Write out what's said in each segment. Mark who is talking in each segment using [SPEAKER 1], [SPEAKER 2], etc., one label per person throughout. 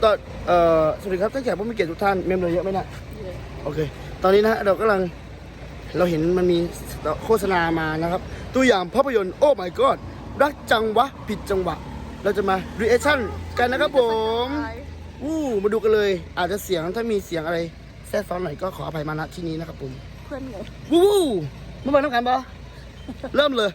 [SPEAKER 1] ก็สวัสดีครับท่านแขกผู้มีเกียรติทุกท่านเมมเลยเยอะไหมนะโอเคตอนนี้นะเราเห็นมันมีโฆษณามานะครับตัวอย่างภาพยนตร์โอ้ my god รักจังวะผิดจังหวะเราจะมา reaction กันนะครับผมมาดูกันเลยอาจจะเสียงถ้ามีเสียงอะไรแทรกซ้อนหน่อยก็ขออภัยมาณที่นี้นะครับผม
[SPEAKER 2] เพื่อนไง
[SPEAKER 1] เมื่อวานต้องการปะเริ่มเลย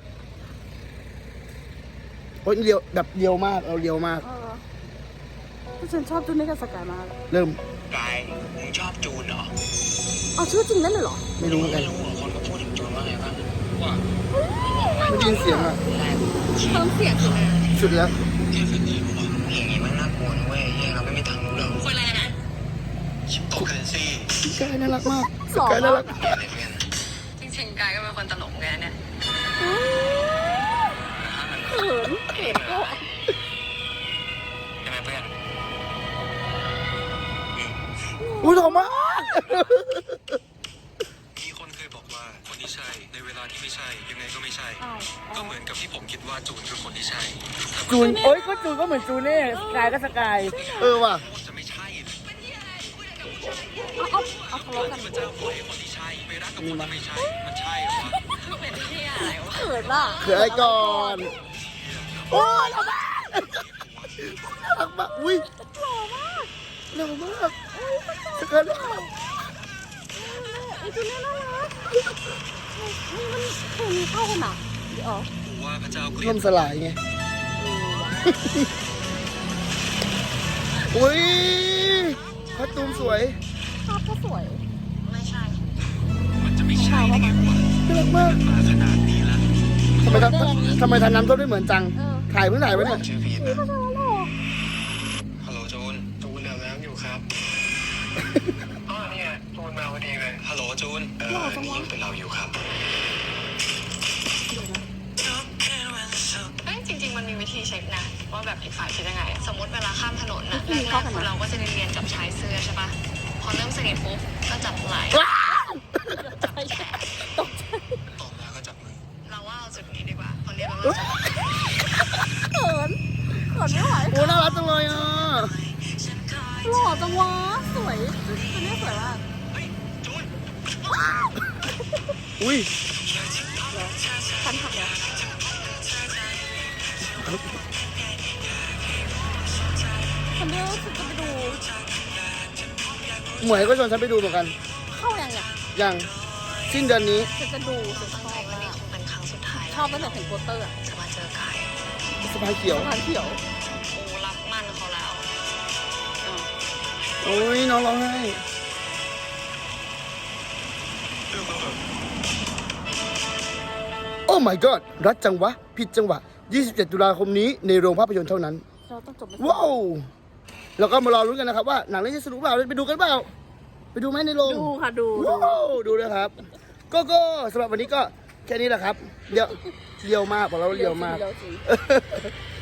[SPEAKER 1] โอ้ยเรียวแบบเรียวมากเรียวมาก
[SPEAKER 2] ฉันชอบจูนนี่กับสกายมาก
[SPEAKER 1] เริ่ม
[SPEAKER 3] กายมึงชอบจูนเหรอ
[SPEAKER 2] เอาชื่อจริงนั่นเลยเหรอ
[SPEAKER 1] ไม่รู้เหมือนกัน
[SPEAKER 3] คนก็พูดถึงจูนว่าไงบ้างว่า
[SPEAKER 1] ไม่ได้ยินเสียงอ่ะ
[SPEAKER 2] เพิ่มเสียงขึ้นมา
[SPEAKER 1] สุดแล้ว
[SPEAKER 3] แค่ฟิกนี้บอกอย่างนี้มันน่ากลัวนะเว้ยเราไม่มีทางรู้หรอก
[SPEAKER 2] คนอะไรนะ
[SPEAKER 3] ชิปโตเคนซี่
[SPEAKER 1] กายน่ารักมากกายน่ารัก
[SPEAKER 2] จริงๆกายก็เป็นคนตลกไงเนี่ยเขินก็
[SPEAKER 3] ใช่ไหมเพื่อน
[SPEAKER 1] อุ้ยหล่อมาก
[SPEAKER 3] มีคนเคยบอกว่าคนที่ใช่ในเวลาที่ไม่ใช่ยังไงก็ไม่ใช่ก็เหมือนกับที่ผมคิดว่าจูนคือคนที่ใช่
[SPEAKER 1] จูนโอ้ยก็จูนก็เหมือนจูนเน่สกายก็สกายว่ะ
[SPEAKER 3] จะไม่ใช่
[SPEAKER 2] เอาทะเลาะกัน
[SPEAKER 3] พระเจ้าขอให้คนที่ใช่ไปรักกับคนที่ไม่ใช่มันใช่เหรอ
[SPEAKER 2] เป็นที่อะไรวะเขินอ่ะ
[SPEAKER 1] เขินอะไรก่อนโอ้ยหล่อมากน่ารักมากอุ้ยหล่อมากสกายหล่อ
[SPEAKER 2] ไอ้จูนนี่น่ารักนี่มันเคยมีเข้ากันอ่ะอ๋อ
[SPEAKER 3] ว่าพระเจ้า
[SPEAKER 1] ล่มสลายไงอุ้ยพัดตูมสวย
[SPEAKER 2] ภาพก็สวยไม่ใช่
[SPEAKER 3] มันจะไม่ใช่ได้ไงวะ
[SPEAKER 1] น่ารักมาก
[SPEAKER 3] มาขนาดนี้แล้ว
[SPEAKER 1] ทำไมทันน้ำท่วมไม่เหมือนจังถ่ายเพิ่งถ่ายไว้เนี่ย
[SPEAKER 3] ชื่อพีทนะฮัลโหลจูนอาบน้ำอยู่ครับอ๋อนี่ไงจูนมาพอดีเลยฮัลโหลจูนนี่ยังเป็นเราอยู่ครับ
[SPEAKER 4] จริงๆมันมีวิธีเช็คนะว่าแบบอีกฝ่ายคิดยังไงสมมติเวลาข้ามถนนนะแรกๆเราก็จะเรียนจับชายเสื้อใช่ปะพอเริ่มสนิทปุ๊บก็จับไหล่จับแขน
[SPEAKER 3] ตบแล้วก็จับมือ
[SPEAKER 4] เราว่าเอาจุดนี้ดีกว่าคนเรียกว่า
[SPEAKER 2] เขินไม่ไหว
[SPEAKER 1] โอ้น่ารักจังเลยอ่ะ
[SPEAKER 2] หล่อจังวะสวยตัวนี้สวยมาก
[SPEAKER 1] อุ้ย
[SPEAKER 2] คันขับเนี่ยคนเดียวฉันจะไปดู
[SPEAKER 1] หมวยก็ชวนฉันไปดูเหมือนกัน
[SPEAKER 2] เข้า
[SPEAKER 1] ยังสิ้นเดือนนี้
[SPEAKER 2] ฉันจะดูฉันชอบ
[SPEAKER 4] วันนี้คงเป็นครั้งสุดท้าย
[SPEAKER 2] ชอบตั้งแต่เห็นโปสเตอร์
[SPEAKER 4] จะมาเจอกาย
[SPEAKER 1] สะพายเขียว
[SPEAKER 4] โอ้รับมั่นเขาแล้ว
[SPEAKER 1] โอ้ยน้องร้องไห้โอ้ my god รักจังวะผิดจังหวะ27 ตุลาคมนี้ในโรงภาพยนตร์เท่านั้นว้าวแล้วก็มารอรุ้นกันนะครับว่าหนังเรื่องนี้สนุกเปล่าไปดูกันเปล่าไปดูไหมในโรง
[SPEAKER 2] ดูค่ะดู
[SPEAKER 1] ดูนะครับก็สำหรับวันนี้ก็แค่นี้แหละครับเรียวมากบอกแล้วเรียวมาก